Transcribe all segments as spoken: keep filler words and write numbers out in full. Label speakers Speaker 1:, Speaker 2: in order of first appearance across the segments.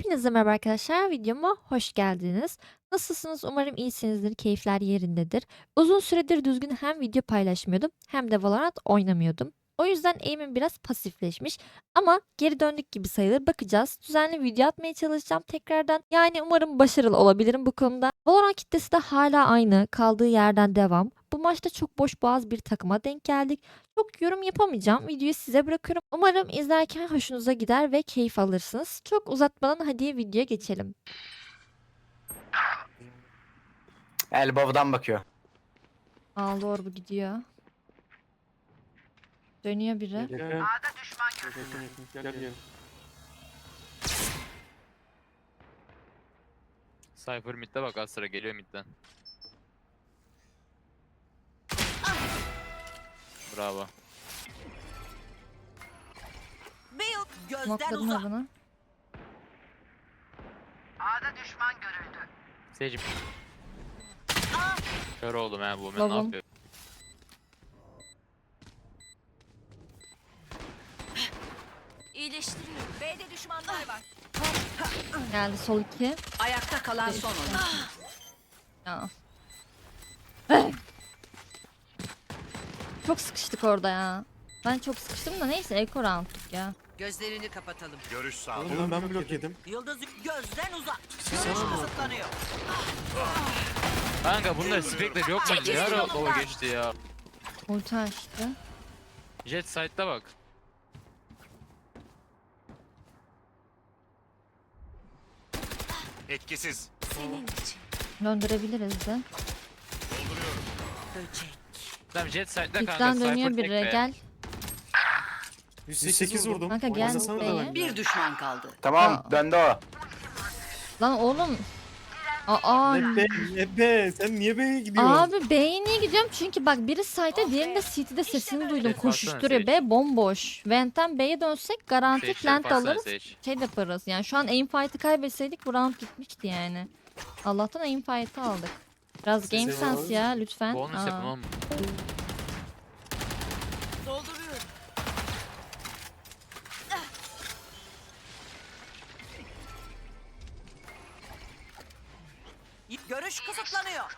Speaker 1: Hepinize merhaba arkadaşlar. Videoma hoş geldiniz. Nasılsınız? Umarım iyisinizdir, keyifler yerindedir. Uzun süredir düzgün hem video paylaşmıyordum hem de Valorant oynamıyordum. O yüzden aim'im biraz pasifleşmiş ama geri döndük gibi sayılır. Bakacağız. Düzenli video atmaya çalışacağım tekrardan. Yani umarım başarılı olabilirim bu konuda. Valorant kitlesi de hala aynı. Kaldığı yerden devam. Bu maçta çok boş boğaz bir takıma denk geldik. Çok yorum yapamayacağım. Videoyu size bırakıyorum. Umarım izlerken hoşunuza gider ve keyif alırsınız. Çok uzatmadan hadi videoya geçelim.
Speaker 2: Elbow'dan bakıyor.
Speaker 1: Aa, doğru bu gidiyor. Dönüyor biri.
Speaker 3: Yakın. A'da düşman görüldü. Gel gel.
Speaker 4: Cypher mid'de bak, az sıra geliyor mid'den. Bravo.
Speaker 3: Build gözden
Speaker 1: Smokladım
Speaker 3: uzak.
Speaker 1: adını.
Speaker 3: A'da düşman görüldü.
Speaker 4: Seyircim. Kör oldum ha, bu men ne
Speaker 1: Babam.
Speaker 4: yapıyor?
Speaker 3: İyileştiriyor. B'de düşmanlar var.
Speaker 1: Geldi sol iki.
Speaker 3: Ayakta kalan son oyun.
Speaker 1: Ya. Çok sıkıştık orada ya. Ben çok sıkıştım da neyse eko round'tuk ya.
Speaker 3: Gözlerini kapatalım.
Speaker 5: Görüş sağ.
Speaker 6: Oğlum ben blok yedim.
Speaker 3: Yıldız gözden uzak.
Speaker 6: Siz
Speaker 3: Görüş
Speaker 6: sana mı?
Speaker 3: kısıtlanıyor.
Speaker 4: Kanka bunda spekler yok mu?
Speaker 3: Çekil
Speaker 4: Ne ara
Speaker 3: yolumdan.
Speaker 4: o geçti ya?
Speaker 1: Ulti açtı.
Speaker 4: Jet side'da bak.
Speaker 5: Etkisiz.
Speaker 3: Senin için.
Speaker 1: Döndürebiliriz de.
Speaker 3: Böcek.
Speaker 4: Tamam, jet side'da kanka.
Speaker 1: Pikten
Speaker 4: Cypher
Speaker 1: dönüyor
Speaker 4: tek
Speaker 1: biri.
Speaker 4: be.
Speaker 1: Gel.
Speaker 6: yüz sekiz vurdum.
Speaker 1: Kanka gel
Speaker 6: Oynasana da
Speaker 1: B'ye.
Speaker 6: ben.
Speaker 3: Bir düşman kaldı.
Speaker 2: Tamam
Speaker 1: Aa.
Speaker 2: döndü o.
Speaker 1: Lan oğlum. Aa.
Speaker 6: Ne be, ne be, sen niye B'ye gidiyorsun?
Speaker 1: Abi B'ye niye gidiyorum? Çünkü bak biri site'de diğerinde City'de sesini duydum.
Speaker 4: Şey,
Speaker 1: Koşuşturuyor.
Speaker 4: baksana
Speaker 1: B bomboş. Vent'ten B'ye dönsek garanti
Speaker 4: Sage,
Speaker 1: plant
Speaker 4: baksana
Speaker 1: alırız.
Speaker 4: Sage.
Speaker 1: Şey de yaparız. Yani şu an aim fight'ı kaybetseydik bu round gitmişti yani. Allah'tan aim fight'ı aldık. Biraz game
Speaker 6: Size
Speaker 1: sense
Speaker 6: var.
Speaker 1: ya lütfen.
Speaker 4: Bonus
Speaker 1: Aa.
Speaker 4: yapın oğlum.
Speaker 3: Dolduruyorum. Görüş kısıtlanıyor.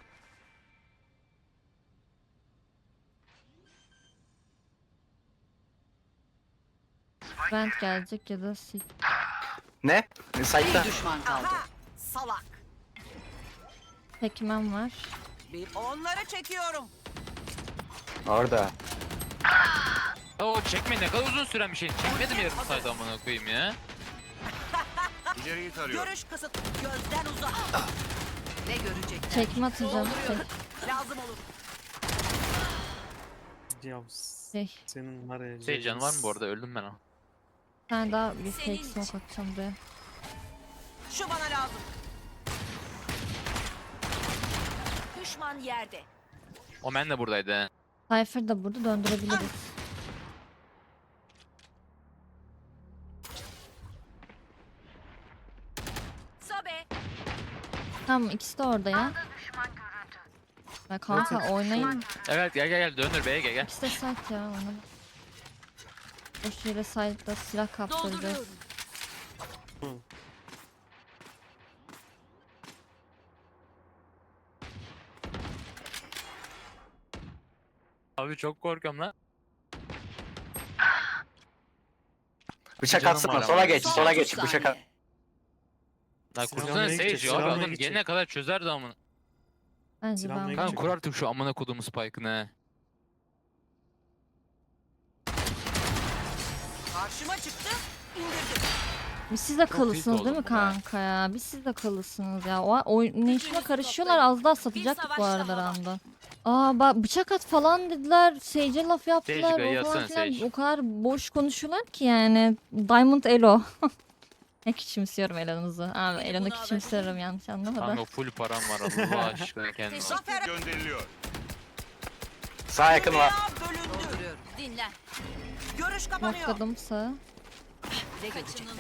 Speaker 1: Vent gelecek ya da City.
Speaker 2: Ne? Site'da.
Speaker 3: düşman kaldı. Aha, salak.
Speaker 1: Pac-Man var.
Speaker 3: Bir onları çekiyorum.
Speaker 2: Orada.
Speaker 4: O çekme, ne kadar uzun süren bir şey. Çekmedim yarım saat amına koyayım ya.
Speaker 5: İleriyi tarıyor.
Speaker 3: Görüş kısıt. Gözden uzak. Ne görecek?
Speaker 1: Çekme atacağım.
Speaker 3: Dolduruyorum. Lazım olur.
Speaker 6: Ya
Speaker 1: Şey,
Speaker 6: senin var ya.
Speaker 4: Şey, can var mı bu arada? Öldüm ben ha.
Speaker 1: bir tane daha bir
Speaker 3: Senin
Speaker 1: fake smoke atacağım buraya.
Speaker 3: Şu bana lazım. Düşman yerde.
Speaker 4: O men de buradaydı he.
Speaker 1: Cypher da burada döndürebiliriz.
Speaker 3: Sobe.
Speaker 1: Tamam ikisi de orada ya. Ya kanka oynayın.
Speaker 4: Evet, gel gel gel, döndür B'ye gel gel.
Speaker 1: İkisi de site ya ona. Boş yere site'da silah kaptırdı.
Speaker 3: Dolduruyorum.
Speaker 4: Abi çok korkuyorum lan.
Speaker 2: Bıçak
Speaker 4: Canım
Speaker 2: atsana
Speaker 4: var
Speaker 2: sola
Speaker 4: ama.
Speaker 2: geç
Speaker 3: Son
Speaker 2: sola
Speaker 3: otuz
Speaker 2: geç bıçak at.
Speaker 3: saniye.
Speaker 4: Lan
Speaker 6: Silahla
Speaker 4: kursana
Speaker 6: gidecek,
Speaker 4: Sage abi,
Speaker 6: silahla
Speaker 4: adam
Speaker 6: gidecek.
Speaker 4: gelene kadar çözerdi amına.
Speaker 1: Bence
Speaker 6: Silahla
Speaker 1: ben.
Speaker 6: gidecek.
Speaker 4: Kanka kur artık şu amına koduğum spike'ını he.
Speaker 3: Karşıma çıktı. İndirdim.
Speaker 1: Biz siz de
Speaker 4: Çok
Speaker 1: kalırsınız
Speaker 4: tilt
Speaker 1: değil mi
Speaker 4: oldum buna.
Speaker 1: kanka ya? Biz siz de kalırsınız ya. O oynayışına karışıyorlar. Az daha satacaktık bu arada
Speaker 3: savaş
Speaker 1: randa. Aa bak bıçak at falan dediler. Sage'e laf yaptılar.
Speaker 4: Sage,
Speaker 1: O, falan
Speaker 4: yatsana
Speaker 1: filan.
Speaker 4: Sage.
Speaker 1: O kadar boş konuşuyorlar ki yani. Diamond Elo. Ne küçümsüyorum Elo'nuzu. Abi
Speaker 3: Beni
Speaker 1: Elo'nu
Speaker 3: buna
Speaker 1: küçümsüyorum yanlış anlama da.
Speaker 4: Kanka full param var Allah aşkına kendine.
Speaker 3: Zafer
Speaker 5: Gönderiliyor.
Speaker 2: Sağ yakın var.
Speaker 3: dünya bölündü. Dinlen. Görüş kapanıyor.
Speaker 1: Nokladım sağa.
Speaker 3: Ne görecekler?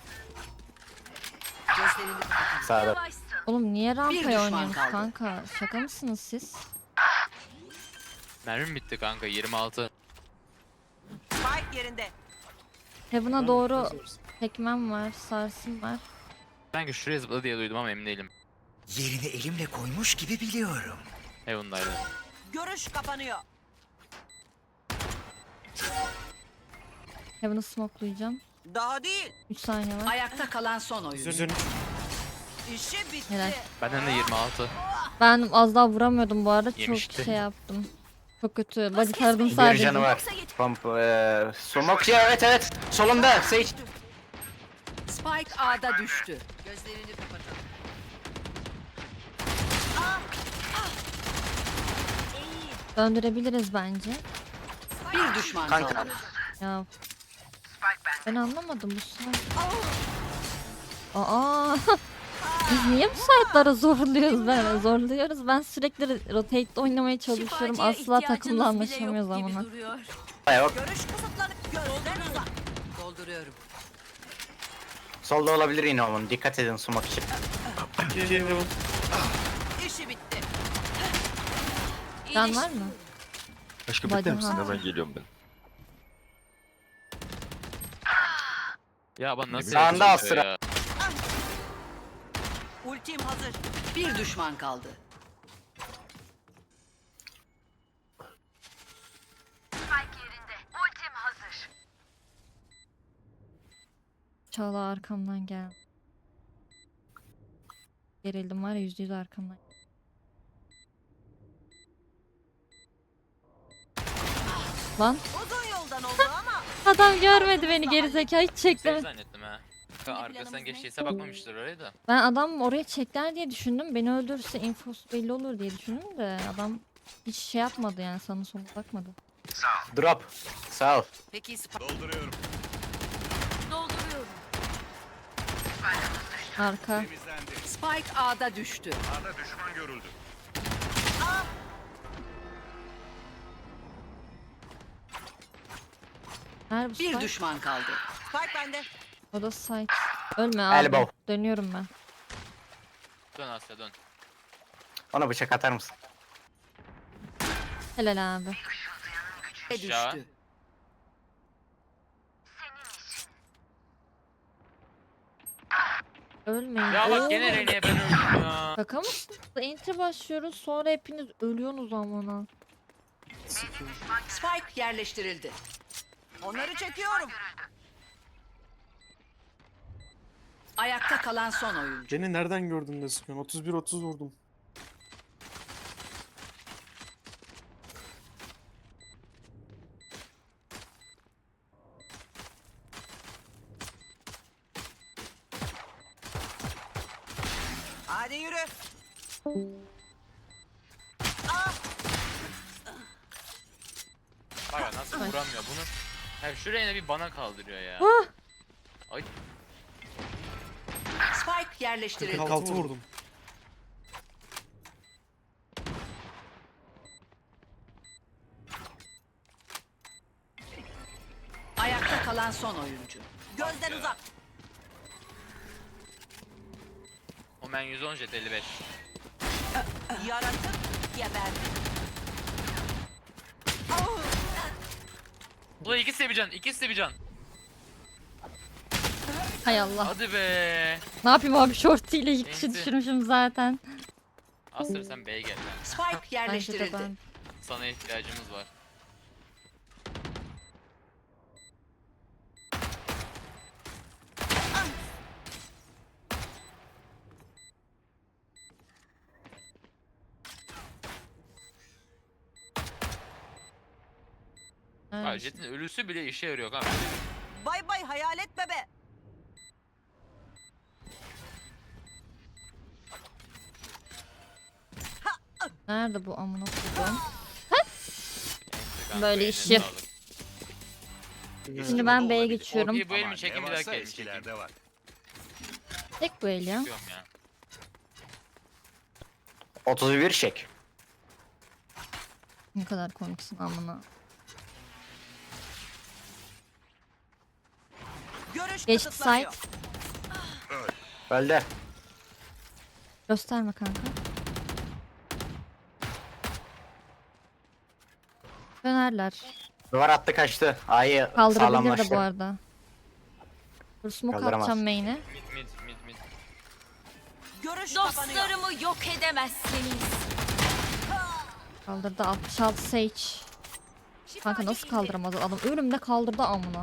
Speaker 3: Gözlerini kapatalım.
Speaker 2: Sağda.
Speaker 1: Oğlum niye
Speaker 3: düşman
Speaker 1: rampaya oynuyorsunuz
Speaker 3: kaldı.
Speaker 1: kanka? Şaka mısınız siz?
Speaker 4: Mermim bitti kanka, yirmi altı.
Speaker 3: Spike yerinde.
Speaker 1: Heaven'a doğru Tekmem var, sarsım var.
Speaker 4: Sanki şuraya zıpladı diye duydum ama emin değilim.
Speaker 7: Yerini elimle koymuş gibi biliyorum.
Speaker 4: Heaven'daydı.
Speaker 3: Görüş kapanıyor.
Speaker 1: Heaven'ı smokelayacağım.
Speaker 3: Daha değil.
Speaker 1: üç saniye var.
Speaker 3: Ayakta kalan son oyuncu.
Speaker 6: Üzerine
Speaker 3: İşi bitti.
Speaker 1: Helal.
Speaker 4: Benden de yirmi altı.
Speaker 1: Ben az daha vuramıyordum bu arada.
Speaker 4: Yemişti.
Speaker 1: Çok şey yaptım. Çok kötü. Body taradım
Speaker 2: Bir
Speaker 1: sadece.
Speaker 2: canı var. Pump, eee smoke ya, evet evet. Solunda Sage.
Speaker 3: Spike A'da düştü. Gözlerini kapatalım.
Speaker 1: Döndürebiliriz bence.
Speaker 3: Bir düşman
Speaker 2: Kanka.
Speaker 3: kaldı.
Speaker 1: Ya. Ben anlamadım bu sayı. Aa. Biz niye bu sayılara zorluyoruz ben? Zorluyoruz. Ben sürekli rotate'de oynamaya çalışıyorum. Asla takımla anlaşamıyoruz ama.
Speaker 2: Yok.
Speaker 3: Görüş kısıtlanıp gözden uzak. Dolduruyorum.
Speaker 2: Solda olabilir yine onun. Dikkat edin smoke için.
Speaker 6: şey Heaven.
Speaker 3: İşi bitti.
Speaker 1: Can var mı?
Speaker 8: Aşkım
Speaker 1: Bacım
Speaker 8: bekler misin?
Speaker 1: ha.
Speaker 8: Hemen geliyorum ben.
Speaker 4: Ya ben nasıl
Speaker 2: Sağında
Speaker 4: yapacağım
Speaker 2: Astra.
Speaker 4: ya?
Speaker 3: Ultim hazır. Bir düşman kaldı.
Speaker 1: Çağla arkamdan gel. Gerildim var ya, yüzde yüz arkamdan. Lan
Speaker 3: Uzun yoldan oldu ama.
Speaker 1: adam görmedi beni, gerizekalı, hiç
Speaker 4: Save
Speaker 1: çeklemedi.
Speaker 4: zannettim ha. Kanka arkasından geçtiyse bakmamıştır oraya da.
Speaker 1: Ben adam oraya çekler diye düşündüm. Beni öldürürse infosu belli olur diye düşündüm de adam hiç şey yapmadı yani, sana sola bakmadı.
Speaker 2: Drop. Sağ ol.
Speaker 3: Peki Spike.
Speaker 5: Dolduruyorum.
Speaker 3: Dolduruyorum.
Speaker 1: Arka.
Speaker 5: Temizlendi.
Speaker 3: Spike A'da düştü.
Speaker 5: Arda düşman görüldü.
Speaker 1: Nerede bu
Speaker 3: Bir
Speaker 1: spike?
Speaker 3: düşman kaldı. Spike bende.
Speaker 1: O da site. Ölme abi.
Speaker 2: Elbow.
Speaker 1: Dönüyorum ben.
Speaker 4: Dön Asya dön.
Speaker 2: Ona bıçak atar mısın?
Speaker 1: Helal abi.
Speaker 4: Aşağı.
Speaker 3: Düştü.
Speaker 1: Ölmeyin.
Speaker 4: Ya bak
Speaker 1: Oo.
Speaker 4: gene Rene'ye ben öldüm ya.
Speaker 1: Şaka mısın? Entry başlıyoruz, sonra hepiniz ölüyorsunuz amına.
Speaker 3: Spike yerleştirildi. Onları çekiyorum. Ayakta kalan son oyuncu.
Speaker 6: Beni nereden gördün de sıkıyorsun? otuz bir otuz vurdum.
Speaker 3: Hadi yürü.
Speaker 4: Bak nasıl vuramıyor bunu. Hem şu Rene bir bana kaldırıyor ya. Ay
Speaker 3: Spike yerleştirildi.
Speaker 6: kırk altı vurdum.
Speaker 3: Ayakta kalan son oyuncu. Gözden
Speaker 4: ya.
Speaker 3: uzak.
Speaker 4: o men yüz on jet elli beş.
Speaker 3: Yaratık geberdi.
Speaker 4: Ulan iki sevican, iki sevican.
Speaker 1: Hay Allah.
Speaker 4: Hadi be.
Speaker 1: Ne yapayım abi, shorty ile iki kişi
Speaker 4: Enti.
Speaker 1: düşürmüşüm zaten.
Speaker 4: Asır sen B'ye gel lan.
Speaker 3: Spike
Speaker 1: Bence de
Speaker 3: yerleştirildi.
Speaker 1: ben.
Speaker 4: Sana ihtiyacımız var. Ha,
Speaker 1: Evet.
Speaker 4: Jet'in ölüsü bile işe yarıyor kanka.
Speaker 3: Bay bay hayalet bebe.
Speaker 1: Nerede bu amına koyduğum?
Speaker 4: Enti kanka,
Speaker 1: Böyle
Speaker 4: eline
Speaker 1: işi.
Speaker 4: sağlık.
Speaker 1: Şimdi ben B'ye geçiyorum.
Speaker 4: İyi bu elimi
Speaker 5: Aman
Speaker 4: çekin
Speaker 5: ne
Speaker 4: bir
Speaker 5: varsa
Speaker 4: dakika elimi çekin.
Speaker 5: eskilerde var.
Speaker 1: Tek bu el ya.
Speaker 4: Çıkıyorum ya.
Speaker 2: otuz bir çek.
Speaker 1: Ne kadar komiksin amına.
Speaker 3: Görüş
Speaker 1: Geçti
Speaker 3: kısıtlanıyor.
Speaker 1: site.
Speaker 2: Öldü.
Speaker 1: Gösterme kanka. Dönerler.
Speaker 2: Duvar attı kaçtı. A'yı
Speaker 1: Kaldırabilir de bu
Speaker 2: sağlamlaştı.
Speaker 1: arada. Dur smoke
Speaker 2: Kaldıramaz.
Speaker 1: atacağım main'e.
Speaker 4: Mid mid mid mid.
Speaker 3: Görüş kapanıyor.
Speaker 8: Dostlarımı yok edemezsiniz.
Speaker 1: Kaldırdı altmış altı Sage. Kanka nasıl kaldıramaz adam? Ölümde kaldırdı amına.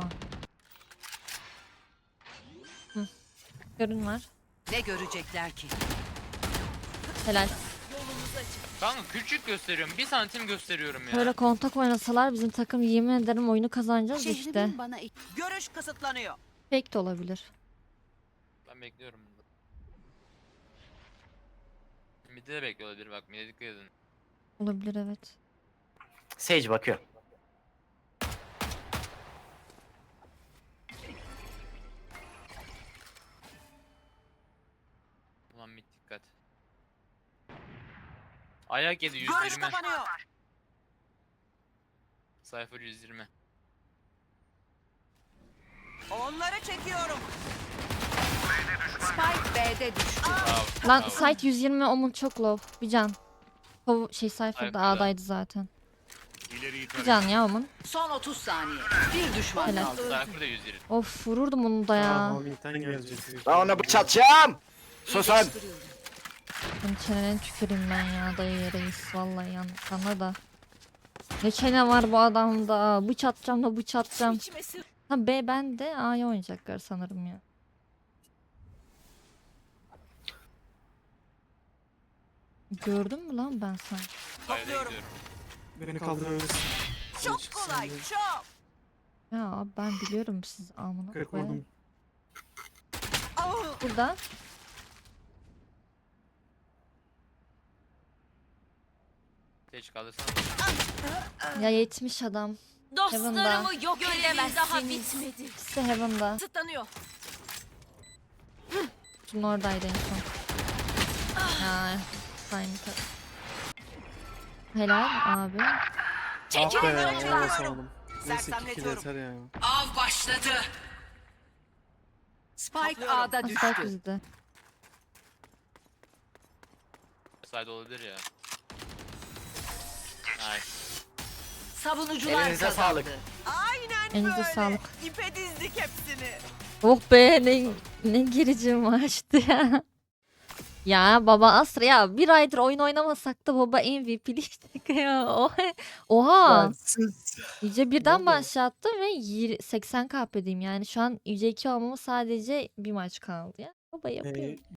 Speaker 1: Hı. Görün var.
Speaker 3: Ne görecekler ki?
Speaker 1: Helal.
Speaker 4: Kanka küçük gösteriyorum. Bir santim gösteriyorum ya.
Speaker 1: Böyle kontak oynasalar bizim takım yemin ederim oyunu kazanacağız işte.
Speaker 3: Şehrimin bana it- Görüş kısıtlanıyor.
Speaker 1: Fake de olabilir.
Speaker 4: Ben bekliyorum. Mid'de de bekliyor olabilir bak. Mid'e dikkat edin.
Speaker 1: Olabilir evet.
Speaker 2: Sage bakıyor.
Speaker 4: Ulan mid dikkat. Ayak yedi
Speaker 3: Görüş
Speaker 4: yüz yirmi.
Speaker 3: kapanıyor.
Speaker 4: Cypher yüz yirmi.
Speaker 3: Onları çekiyorum. Spike B'de düştü.
Speaker 4: Bravo.
Speaker 1: Lan
Speaker 4: bravo.
Speaker 1: site yüz yirmi omun çok low. Bir can. O şey Cypher'da
Speaker 4: Cypher'da.
Speaker 1: A'daydı zaten.
Speaker 5: İleriyi
Speaker 1: Bir
Speaker 5: tarıyorum.
Speaker 1: can ya omun.
Speaker 3: Son otuz saniye. Bir düşman
Speaker 1: Helal.
Speaker 3: kaldı.
Speaker 4: Cypher da yüz yirmi.
Speaker 1: Of vururdum onu da
Speaker 6: Aa,
Speaker 1: ya.
Speaker 6: Homing'den gelecek.
Speaker 2: Ben ona bıçatacağım. Susun.
Speaker 1: Senin çenene tüküreyim ben ya dayı reis. Vallahi yanlış sana da. Ne çene var bu adamda. Bıçatacağım da bıçatacağım. Ha B bende A'ya oynayacaklar sanırım ya. Gördün mü lan ben sanki?
Speaker 4: Haydi
Speaker 3: Topluyorum.
Speaker 4: gidiyorum.
Speaker 6: Beni kaldırabilirsin.
Speaker 3: Çok kolay. Çok.
Speaker 1: Ya abi ben biliyorum siz amına
Speaker 6: Kırık
Speaker 1: koyayım.
Speaker 6: vurdum.
Speaker 3: Ah!
Speaker 1: Burada.
Speaker 4: Sage kaldırsana.
Speaker 1: Ya yetmiş adam.
Speaker 8: Dostlarımı yok edemezsiniz. Daha bitmedi.
Speaker 1: İkisi Heaven'da.
Speaker 8: Tıtlanıyor.
Speaker 1: Şunun oradaydı en son. Ha, aynı kat. Helal abi.
Speaker 3: Çekil
Speaker 6: Ah be
Speaker 3: onları
Speaker 6: ya
Speaker 3: çıkarıyorum.
Speaker 6: basamadım. Neyse iki kill
Speaker 3: Sersemletiyorum.
Speaker 6: yeter ya.
Speaker 3: Av başladı. Spike A'da
Speaker 1: Asfalt
Speaker 3: düştü.
Speaker 1: bizde.
Speaker 4: Side olabilir ya. Nice.
Speaker 3: Savunucular
Speaker 2: Elinize
Speaker 3: kazandı.
Speaker 2: sağlık.
Speaker 3: Aynen
Speaker 1: Elinize
Speaker 3: böyle.
Speaker 1: sağlık.
Speaker 3: İpe dizdik hepsini.
Speaker 1: Oh be ne, ne gerici maçtı ya. Ya baba Astra ya bir aydır oyun oynamasak da baba M V P'liydik ya. Oha. Oha. Yüce birden
Speaker 6: Vallahi.
Speaker 1: başlattım ve yir- seksen K P'deyim yani şu an Yüce iki olmama sadece bir maç kaldı ya. Baba yapıyor.
Speaker 6: Ee,